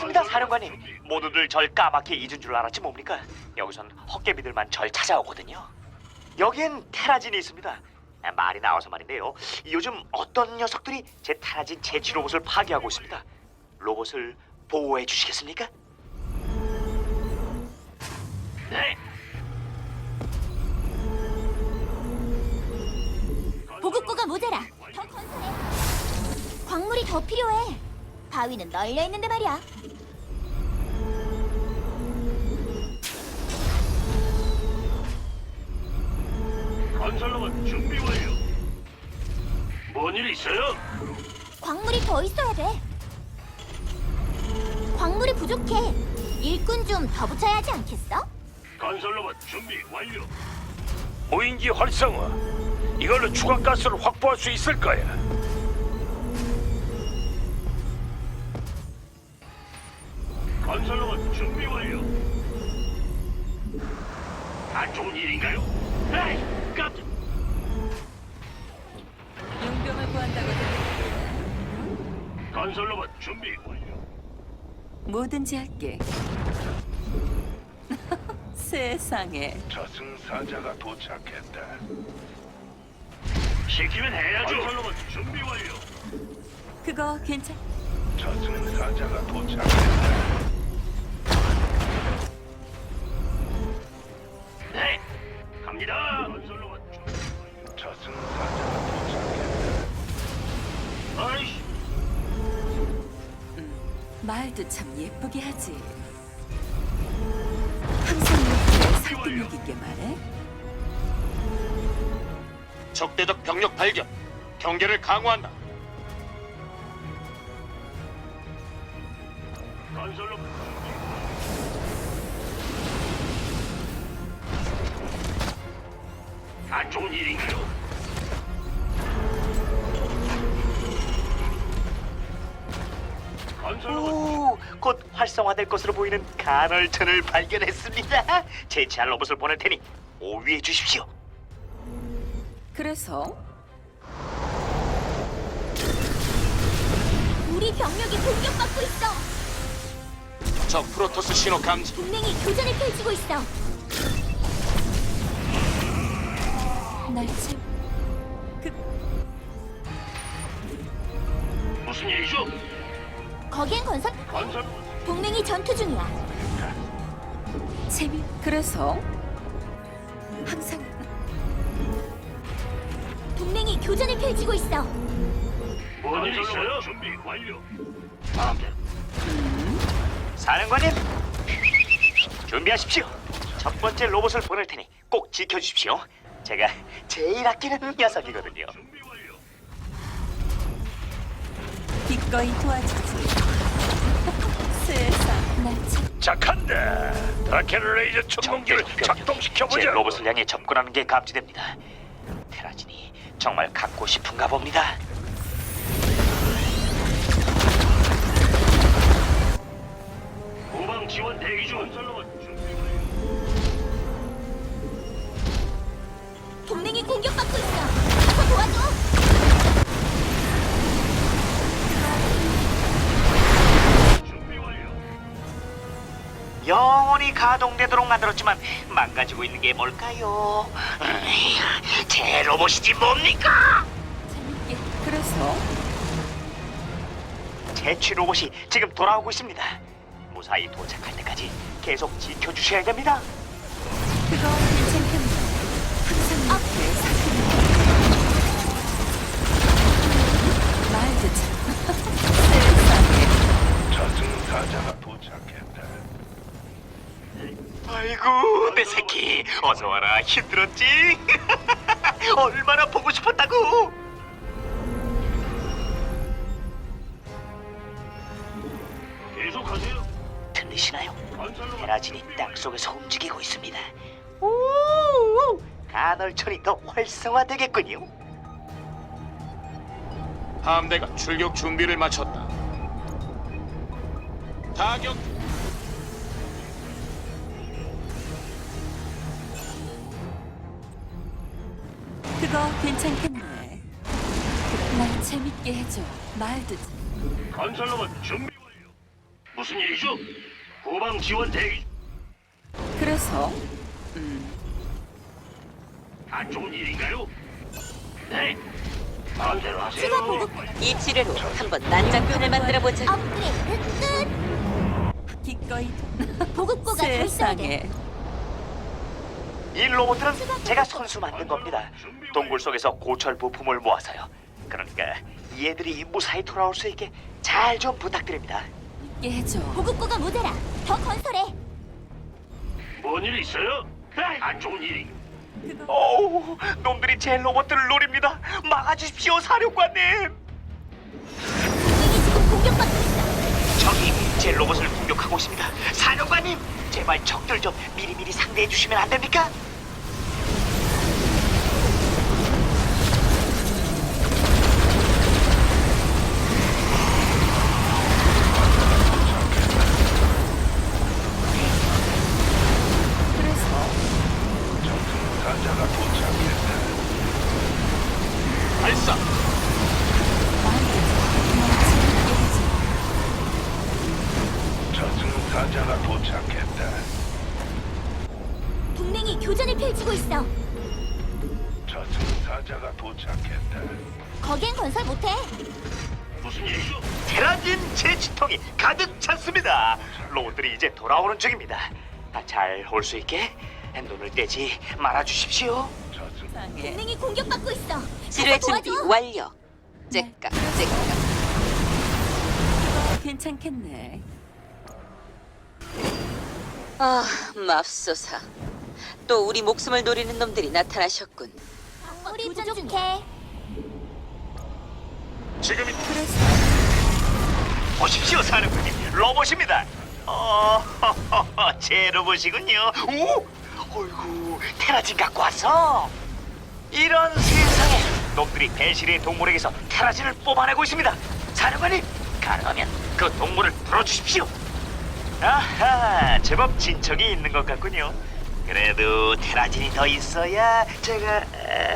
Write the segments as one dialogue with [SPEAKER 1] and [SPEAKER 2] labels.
[SPEAKER 1] 맞습니다, 사령관님. 모두들 절 까맣게 잊은 줄 알았지 뭡니까? 여기선 헛개비들만 절 찾아오거든요. 여기엔 테라진이 있습니다. 말이 나와서 말인데요. 요즘 어떤 녀석들이 제 테라진 제치 로봇을 파괴하고 있습니다. 로봇을 보호해 주시겠습니까? 네.
[SPEAKER 2] 보급고가 모자라. 더 건설해. 광물이 더 필요해. 바위는 널려 있는데 말이야.
[SPEAKER 3] 건설로봇 준비 완료. 뭔 일 있어요?
[SPEAKER 2] 광물이 더 있어야 돼. 광물이 부족해. 일꾼 좀 더 붙여야 하지 않겠어?
[SPEAKER 3] 건설로봇 준비 완료.
[SPEAKER 4] 무인기 활성화. 이걸로 추가 가스를 확보할 수 있을 거야.
[SPEAKER 3] 건설로봇 준비 완료. 안 좋은 일인가요? 에이, 깜짝.
[SPEAKER 5] 용병을 구한다고 들었는데
[SPEAKER 3] 건설로봇 준비 완료.
[SPEAKER 5] 뭐든지 할게. 세상에.
[SPEAKER 4] 저승사자가 도착했다.
[SPEAKER 3] 시키면 해야죠. 건설로봇 준비 완료.
[SPEAKER 5] 그거 괜찮?
[SPEAKER 4] 저승사자가 도착했다.
[SPEAKER 3] 네, 갑니다. 건설로봇 준비 완료.
[SPEAKER 4] 저승사자가 도착했다.
[SPEAKER 3] 아이씨,
[SPEAKER 5] 말도 참 예쁘게 하지. 항상 이렇게 설득력 있게 말해.
[SPEAKER 4] 적대적 병력 발견. 경계를 강화한다.
[SPEAKER 3] 건설로봇 준비 완료. 안 좋은 일인가요? 건설로봇
[SPEAKER 1] 오, 곧 활성화될 것으로 보이는 간헐천을 발견했습니다. 제치할 로봇을 보낼 테니 오위해 주십시오.
[SPEAKER 5] 그래서
[SPEAKER 2] 우리 병력이 공격받고 있어.
[SPEAKER 4] 적 프로토스 신호 감지.
[SPEAKER 2] 동맹이 교전을 펼치고 있어.
[SPEAKER 5] 날참 그
[SPEAKER 3] 무슨 일이죠?
[SPEAKER 2] 거기엔
[SPEAKER 3] 건설
[SPEAKER 2] 동맹이 전투 중이야.
[SPEAKER 5] 재미. 그래서 항상
[SPEAKER 2] 동맹이 교전을 펼치고 있어.
[SPEAKER 3] 뭔 일 있어요? 준비 완료.
[SPEAKER 1] 사령관님, 준비하십시오. 첫 번째 로봇을 보낼 테니 꼭 지켜주십시오. 제가 제일 아끼는 녀석이거든요.
[SPEAKER 3] 준비 완료.
[SPEAKER 5] 기꺼이 도와주지. 세상. 날참
[SPEAKER 4] 착한다. 다케르 레이저 천문기를
[SPEAKER 1] 제
[SPEAKER 4] 작동시켜보자.
[SPEAKER 1] 로봇을 향해 접근하는 게 감지됩니다. 테라진이 정말 갖고 싶은가 봅니다.
[SPEAKER 3] 후방 지원 대기 중. 건설로봇 준비 완료.
[SPEAKER 2] 동맹이 공격받고 있어. 가서 도와줘.
[SPEAKER 3] 준비 완료.
[SPEAKER 1] 영원히 가동되도록 만들었지만 망가지고 있는 게 뭘까요? 제 로봇이지 뭡니까?
[SPEAKER 5] 재밌게. 그래서
[SPEAKER 1] 제취 로봇이 지금 돌아오고 있습니다. 무사히 도착할 때까지 계속 지켜주셔야 됩니다.
[SPEAKER 5] 그거 괜찮겠네. 항상 이렇게 설득력 말도 참. 세상에.
[SPEAKER 4] 저승사자가 도착했다.
[SPEAKER 1] 아이고 내 새끼 어서 와라. 힘들었지? 얼마나 보고 싶었다고.
[SPEAKER 3] 계속하세요.
[SPEAKER 1] 들리시나요?
[SPEAKER 3] 건설로봇
[SPEAKER 1] 테라진이
[SPEAKER 3] 준비
[SPEAKER 1] 땅
[SPEAKER 3] 완료.
[SPEAKER 1] 속에서 움직이고 있습니다. 오, 간헐천이 더 활성화되겠군요.
[SPEAKER 4] 함대가 출격 준비를 마쳤다. 타격.
[SPEAKER 5] 그거 괜찮겠네. 날 재밌게 해줘. 말도 참.
[SPEAKER 3] 건설로봇 준비 완료. 무슨 일이죠? 후방 지원 대기.
[SPEAKER 5] 그래서
[SPEAKER 3] 안 좋은 일인가요? 네. 마음대로
[SPEAKER 2] 추가
[SPEAKER 3] 하세요.
[SPEAKER 2] 보급고가
[SPEAKER 6] 이 지뢰로 한번 난장판을 만들어 보자.
[SPEAKER 2] 업그레이드
[SPEAKER 5] 기꺼이
[SPEAKER 2] 끝. 보급고가 달성돼.
[SPEAKER 5] 세상에.
[SPEAKER 1] 이 로봇들은 제가 손수 만든 겁니다. 동굴 속에서 고철 부품을 모아서요. 그러니까 얘들이 무사히 돌아올 수 있게 잘 좀 부탁드립니다.
[SPEAKER 5] 있게 해줘.
[SPEAKER 2] 보급고가 모자라. 더 건설해.
[SPEAKER 3] 뭔일 있어요? 에이, 안 좋은 일이.
[SPEAKER 1] 어우, 놈들이 제 로봇들을 노립니다. 막아주십시오, 사령관님.
[SPEAKER 2] 동맹이 지금 공격받고 있어.
[SPEAKER 1] 적이 제 로봇을 공격하고 있습니다. 사령관님, 제발 적들 좀 미리미리 상대해 주시면 안 됩니까?
[SPEAKER 5] 그래서
[SPEAKER 3] 사자가 도착했다.
[SPEAKER 1] 발사.
[SPEAKER 5] 재밌게 해줘.
[SPEAKER 3] 저승사자가 도착했다.
[SPEAKER 2] 동맹이 교전을 펼치고 있어.
[SPEAKER 3] 저승사자가 도착했다.
[SPEAKER 2] 거긴 건설 못해.
[SPEAKER 3] 무슨 일이죠?
[SPEAKER 1] 테라진 제치통이 가득 찼습니다. 로봇들이 이제 돌아오는 중입니다. 잘 올 수 있게 눈을 떼지 말아 주십시오.
[SPEAKER 3] 저승
[SPEAKER 5] 세상에.
[SPEAKER 2] 동맹이 공격받고 있어.
[SPEAKER 6] 지뢰
[SPEAKER 2] 가서
[SPEAKER 6] 준비
[SPEAKER 2] 도와줘.
[SPEAKER 6] 완료. 째깍 째깍.
[SPEAKER 5] 괜찮겠네.
[SPEAKER 6] 아, 맙소사. 또 우리 목숨을 노리는 놈들이 나타나셨군.
[SPEAKER 2] 우리 부족해.
[SPEAKER 1] 지금이
[SPEAKER 5] 그래서
[SPEAKER 1] 보십시오, 사령관님. 로봇입니다. 제 로봇이군요. 오, 어이구, 테라진 갖고 왔어. 이런 세상에 놈들이 배실의 동물에게서 테라진을 뽑아내고 있습니다. 사령관님, 가능하면 그 동물을 풀어주십시오. 아하, 제법 진척이 있는 것 같군요. 그래도 테라진이 더 있어야 제가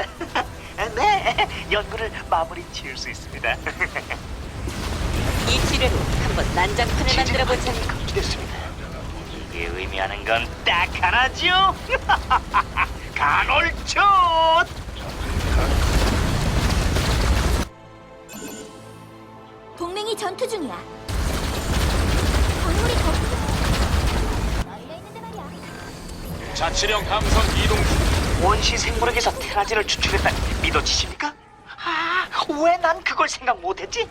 [SPEAKER 1] 네, 연구를 마무리 지을 수 있습니다.
[SPEAKER 6] 이 지뢰로 한번 난장판을 만들어 보자.
[SPEAKER 1] 됐습니다. 이게 의미하는 건 딱 하나죠. 간헐촌.
[SPEAKER 2] 동맹이 전투 중이야. 광물이 더 부족해. 널려 있는데 말이야.
[SPEAKER 1] 자치령 함선 이동 중. 원시 생물에게서 테라진을 추출했다니 믿어지십니까? 아, 왜 난 그걸 생각 못했지?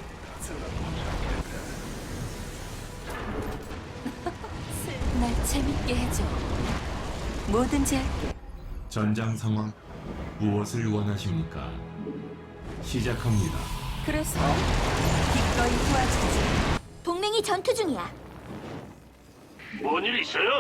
[SPEAKER 5] 날 재밌게 해줘. 뭐든지 할게.
[SPEAKER 7] 전장 상황 무엇을 원하십니까? 시작합니다.
[SPEAKER 5] 그래서 기꺼이 도와주지.
[SPEAKER 2] 동맹이 전투 중이야.
[SPEAKER 3] 뭔일 있어요?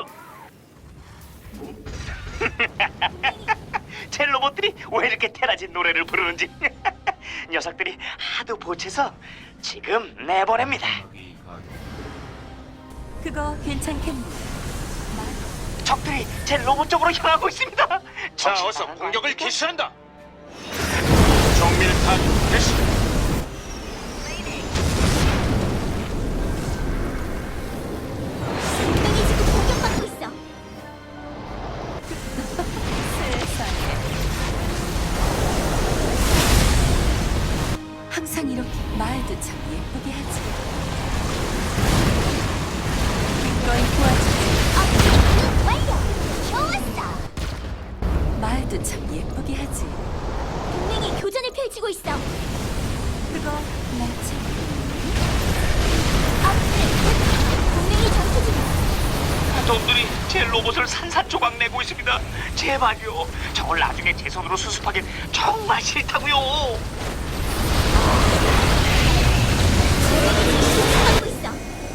[SPEAKER 1] 제 로봇들이 왜 이렇게 테라진 노래를 부르는지. 녀석들이 하도 보채서 지금 내보냅니다.
[SPEAKER 5] 그거 괜찮겠네.
[SPEAKER 1] 적들이 제 로봇 쪽으로 향하고 있습니다.
[SPEAKER 4] 자,
[SPEAKER 1] 정신
[SPEAKER 4] 어서
[SPEAKER 1] 나간 거
[SPEAKER 4] 공격을
[SPEAKER 1] 아닙니까?
[SPEAKER 4] 개시한다. 정밀탄 개시.
[SPEAKER 2] 동맹이 지금 공격받고 있어.
[SPEAKER 5] 세상에. 항상 이렇게 말도 참 예쁘게 하지. 기꺼이 도와주지.
[SPEAKER 2] 업그레이드 완료. 좋았어.
[SPEAKER 5] 말도 참 예쁘게 하지.
[SPEAKER 2] 동맹이 교전을 펼치고 있어.
[SPEAKER 5] 그거 날 참.
[SPEAKER 2] 업그레이드. 동맹이 전투 중이야.
[SPEAKER 1] 놈들이 제 로봇을 산산조각 내고 있습니다. 제발요. 저걸 나중에 제 손으로 수습하긴 정말 싫다고요.
[SPEAKER 2] 공격받고 있어.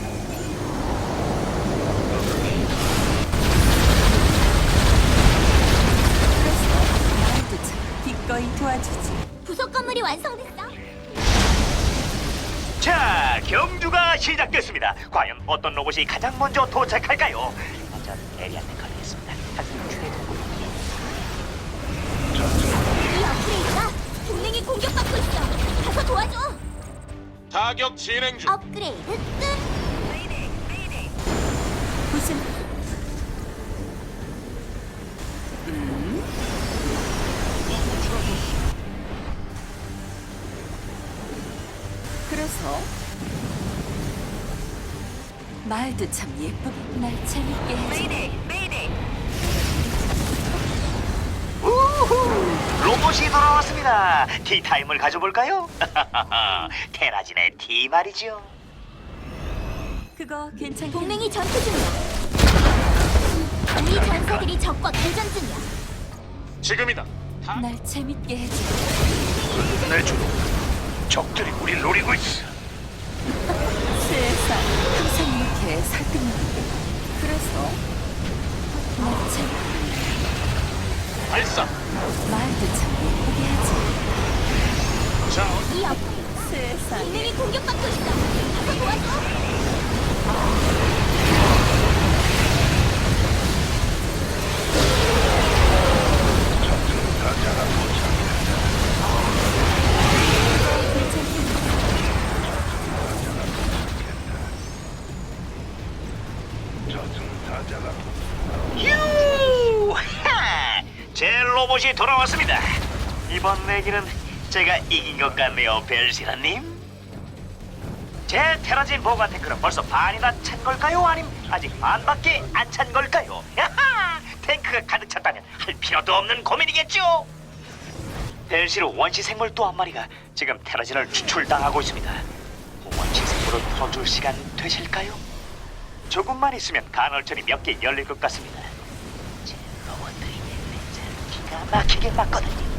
[SPEAKER 5] 그래서 말도 참 기꺼이 도와주지.
[SPEAKER 2] 부속 건물이 완성됐어.
[SPEAKER 1] 자, 경주가 시작됐습니다. 과연 어떤 로봇이 가장 먼저 도착할까요? 전 에리한테 걸리겠습니다. 하지만 최고급이요.
[SPEAKER 2] 이 업그레이드가 동맹이 공격받고 있어. 가서 도와줘.
[SPEAKER 4] 타격 진행 중.
[SPEAKER 2] 업그레이드 끝.
[SPEAKER 5] 말도 참 예쁘게 날 재밌게 해줘.
[SPEAKER 1] 우후! 로봇이 돌아왔습니다. 티타임을 가져볼까요? 테라진의 티 말이죠.
[SPEAKER 5] 그거 괜찮겠네.
[SPEAKER 2] 동맹이 전투 중이야. 우리 전사들이 적과 교전 중이야.
[SPEAKER 4] 지금이다.
[SPEAKER 5] 날 재밌게 해줘.
[SPEAKER 4] 끝내줘. 적들이 우릴 노리고 있어.
[SPEAKER 5] 세상 항상 이렇게 설득력있게. 그래서 날 재밌게
[SPEAKER 4] 발사.
[SPEAKER 5] 말도 참 예쁘게 하지.
[SPEAKER 4] 자,
[SPEAKER 2] 이 옆에
[SPEAKER 5] 세상에
[SPEAKER 2] 동맹이 공격받고 있어. 가서 도와줘.
[SPEAKER 1] 휴! 하! 제 로봇이 돌아왔습니다. 이번 내기는 제가 이긴 것 같네요, 벨시라님. 제 테라진 보관 탱크는 벌써 반이나 찬 걸까요? 아님 아직 반밖에 안 찬 걸까요? 야하! 탱크가 가득 찼다면 할 필요도 없는 고민이겠죠? 벨시로 원시 생물 또 한 마리가 지금 테라진을 추출당하고 있습니다. 원시 생물을 풀어줄 시간 되실까요? 조금만 있으면 간헐천이 몇 개 열릴 것 같습니다. 제 로봇들이 레이저를 기가 막히게 맞거든요.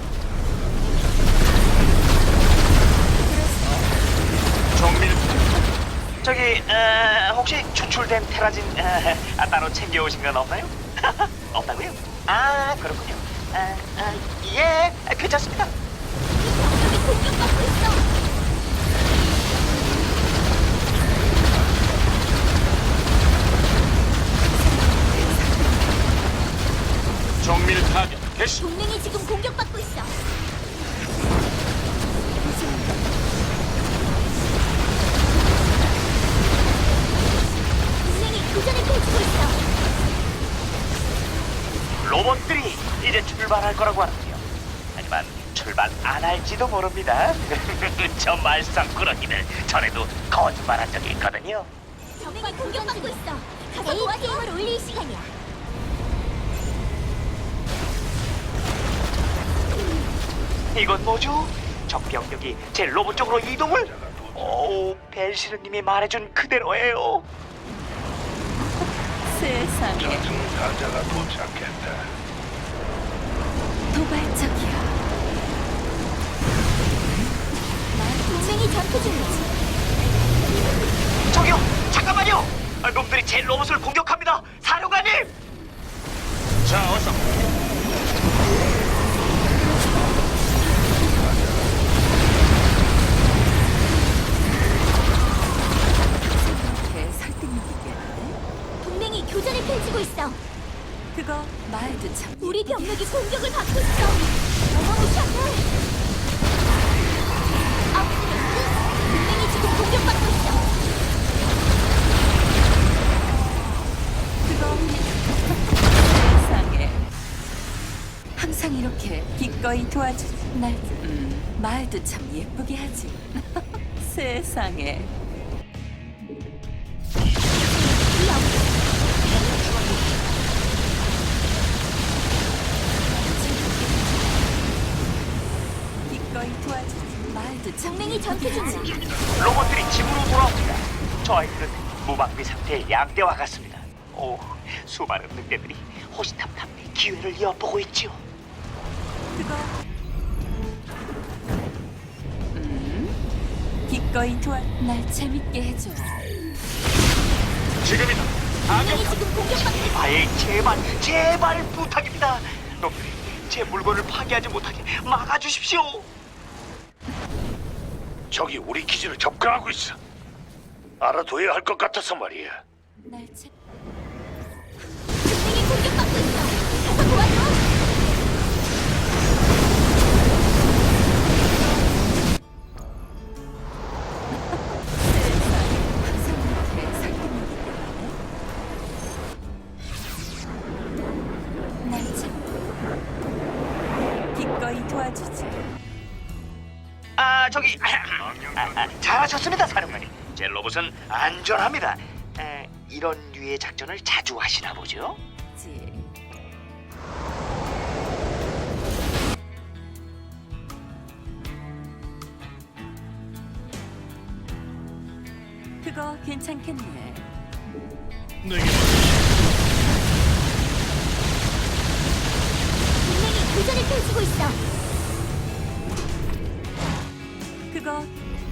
[SPEAKER 1] 정밀 저기 혹시 추출된 테라진 따로 챙겨오신 건 없나요? 없다고요? 아 그렇군요. 예 괜찮습니다.
[SPEAKER 2] 여기 공격받고 있어.
[SPEAKER 4] 정밀 타격 개시.
[SPEAKER 2] 동맹이 지금 공격받고 있어. 동맹이 교전을 펼치고 있어.
[SPEAKER 1] 로봇들이 이제 출발할 거라고 하는데요. 하지만 출발 안 할지도 모릅니다. 저 말썽꾸러기들 전에도 거짓말한 적이 있거든요.
[SPEAKER 2] 동맹이 공격받고 있어. 가서 도와줘. 힘을 올릴 시간이야.
[SPEAKER 1] 이건 뭐죠? 적 병력이 제 로봇 쪽으로 이동을? 오, 벨시르님이 말해준 그대로예요.
[SPEAKER 5] 세상에
[SPEAKER 3] 저승사자가 도착했다.
[SPEAKER 5] 도발적이야.
[SPEAKER 2] 동맹이 전투 중이야.
[SPEAKER 1] 저기요, 잠깐만요. 놈들이 제 로봇을 공격합니다. 사령관님.
[SPEAKER 4] 자, 어서.
[SPEAKER 5] 이렇게 설득력있게 하네.
[SPEAKER 2] 동맹이 교전을 펼치고 있어.
[SPEAKER 5] 그거 말도 참
[SPEAKER 2] 우리 병력이 공격을 받고 있어. 어마무시한데. 동맹이 지금 공격받고 있어.
[SPEAKER 5] 그거 세상에 항상 이렇게 기꺼이 도와주지. 날 말도 참 예쁘게 하지. 세상에 기꺼이 도와주지. 말도 참
[SPEAKER 2] 동맹이 전투 중이야.
[SPEAKER 1] 로봇들이 집으로 돌아옵니다. 저 아이들은 무방비 상태의 양떼와 같습니다. 오, 수많은 늑대들이 호시탐탐 기회를 엿보고 있지요.
[SPEAKER 5] 그거 기꺼이 날 재밌게 해줘.
[SPEAKER 4] 지금이다.
[SPEAKER 2] 동맹이 지금 공격받고 있어.
[SPEAKER 1] 아예 제발 부탁입니다. 놈들이 제 물건을 파괴하지 못하게 막아주십시오.
[SPEAKER 4] 적이 우리 기지를 접근하고 있어. 알아둬야 할 것 같아서 말이야.
[SPEAKER 5] 날 재.
[SPEAKER 2] 동맹이 공격받고 있어. 가서 도와줘.
[SPEAKER 5] 기꺼이 도와주지.
[SPEAKER 1] 저기 잘하셨습니다, 사령관님. 제 로봇은 안전합니다. 이런 류의 작전을 자주 하시나 보죠?
[SPEAKER 5] 지. 그거 괜찮겠네.
[SPEAKER 2] 동맹이 교전을 펼치고 있어.
[SPEAKER 5] 그거.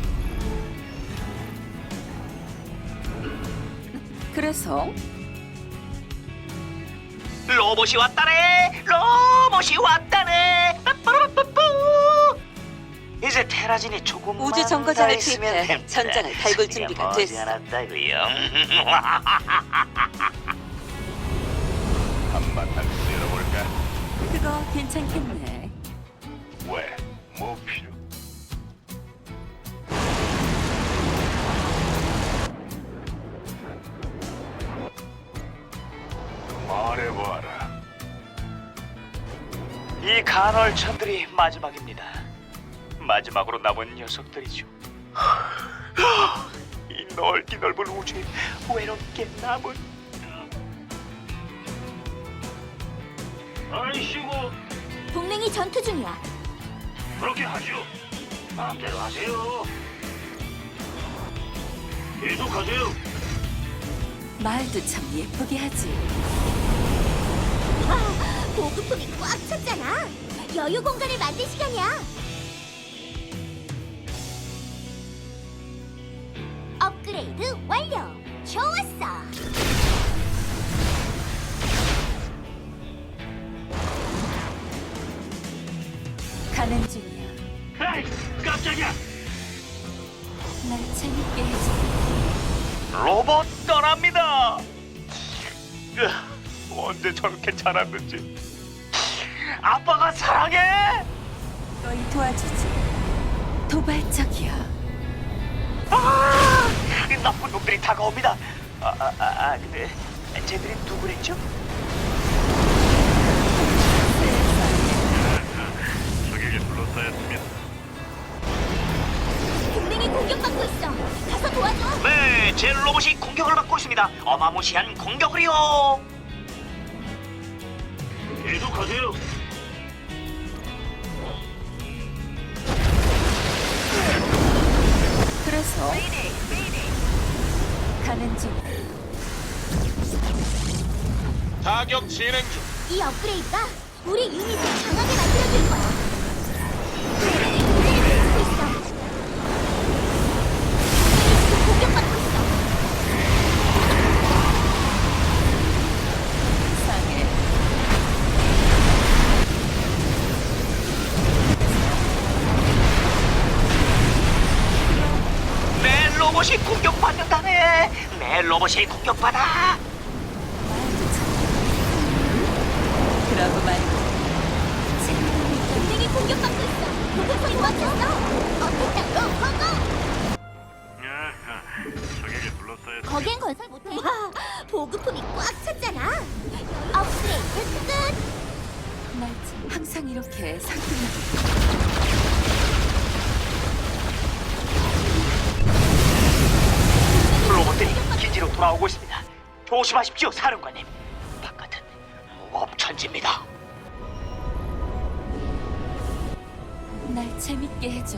[SPEAKER 5] 그래서
[SPEAKER 1] 로봇이 왔다네. 로봇이 왔다네. 빠빠라빠뿌. 이제 테라진이 조금만
[SPEAKER 6] 우주 정거장을
[SPEAKER 1] 더 있으면
[SPEAKER 6] 투입해
[SPEAKER 1] 됩니다.
[SPEAKER 6] 전장을 달굴 준비가 됐어.
[SPEAKER 1] 머지않았다고요.
[SPEAKER 3] 한바탕 쓸어볼까?
[SPEAKER 5] 그거 괜찮겠네.
[SPEAKER 3] 왜? 뭐 필요? 말해봐라.
[SPEAKER 1] 이 간헐천들이 마지막입니다. 마지막으로 남은 녀석들이죠. 이 넓기 넓은 우주에 외롭게 남은.
[SPEAKER 3] 아이씨고
[SPEAKER 2] 동맹이 전투 중이야.
[SPEAKER 3] 그렇게 하죠. 마음대로 하세요. 계속하세요.
[SPEAKER 5] 말도 참 예쁘게 하지.
[SPEAKER 2] 아, 보급품이 꽉 찼잖아. 여유 공간을 만들 시간이야. 업그레이드 완료. 좋았어.
[SPEAKER 5] 가는 중이야.
[SPEAKER 3] 에이, 깜짝이야.
[SPEAKER 5] 날 재밌게 해줘.
[SPEAKER 1] 로봇 떠납니다. 언제 저렇게 자랐는지. 아빠가 사랑해.
[SPEAKER 5] 너희 도와주지. 도발적이야.
[SPEAKER 1] 이 나쁜 놈들이 다가옵니다. 근데 쟤들이 누구랬죠?
[SPEAKER 3] 적에게 둘러싸였습니다.
[SPEAKER 2] 동맹이 공격받고 있어. 가서 도와줘.
[SPEAKER 1] 네, 제 로봇이 공격을 받고 있습니다. 어마무시한 공격을요.
[SPEAKER 3] 계속하세요.
[SPEAKER 5] 그래서 가는 중.
[SPEAKER 8] 타격 진행 중.
[SPEAKER 2] 이 업그레이드가 우리 유닛을 강하게 만들어줄 거야. 동맹이 교전을 펼치고 있어. 지금 공격받고 있어.
[SPEAKER 5] 이상해.
[SPEAKER 1] 내 로봇이 공격받는다네. 내 로봇이 공격받아.
[SPEAKER 5] 말도 참. 그러고 말고. 재밌는
[SPEAKER 2] 동맹이 공격받고 있어. 보급품이 꽉 찼어. 어택당 고고고.
[SPEAKER 3] 적에게 둘러싸였습니다.
[SPEAKER 2] 거긴 건설 못해. 와, 보급품이 꽉 찼잖아. 업그레이드 끝.
[SPEAKER 5] 날 참. 항상 이렇게 상큼하게.
[SPEAKER 1] 로봇들이 기지로 돌아오고 있습니다. 조심하십시오, 사령관님. 바깥은 무법천지입니다.
[SPEAKER 5] 날 재밌게 해줘.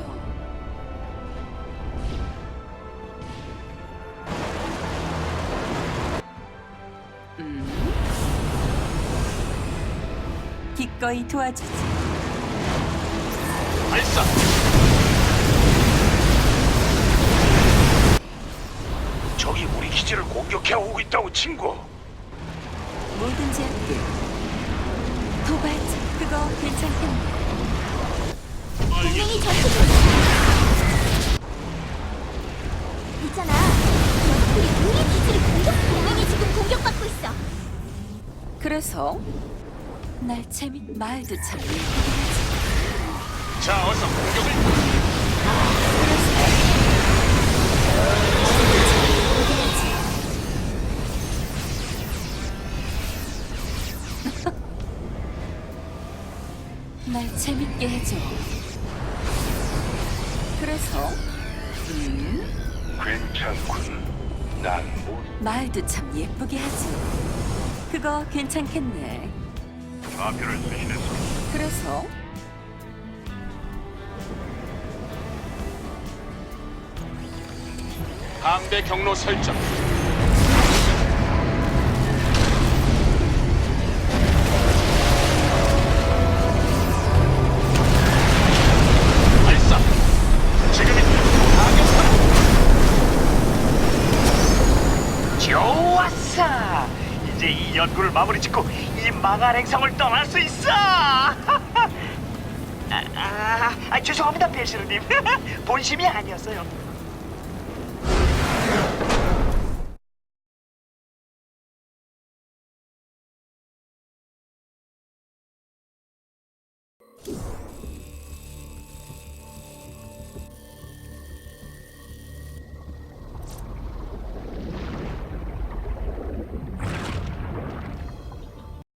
[SPEAKER 5] 기꺼이 도와주지.
[SPEAKER 8] 발사.
[SPEAKER 4] 적이 우리 기지를 공격해 오고 있다고 친구.
[SPEAKER 5] 뭐든지 할게. 도발자. 그거 괜찮겠네.
[SPEAKER 2] 동맹이 전투 중이야. 있잖아. 녀석들이 우리 기지를 공격. 동맹이 지금 공격받고 있어.
[SPEAKER 5] 그래서 날 말도 참 예쁘게 하지.
[SPEAKER 8] 자, 어서 공격을.
[SPEAKER 5] 날 재밌게 해줘. 그래서
[SPEAKER 3] 괜찮군.
[SPEAKER 4] 난 뭐,
[SPEAKER 5] 말도 참 예쁘게 하지. 그거 괜찮겠네.
[SPEAKER 3] 좌표를 수신했어.
[SPEAKER 5] 그래서
[SPEAKER 8] 함대 경로 설정. 발사. 지금입니다. 타격
[SPEAKER 1] 좋았어. 이제 이 연구를 마무리 짓고 이 망할 행성을 떠날 수 있어. 죄송합니다, 벨시르님. 본심이 아니었어요.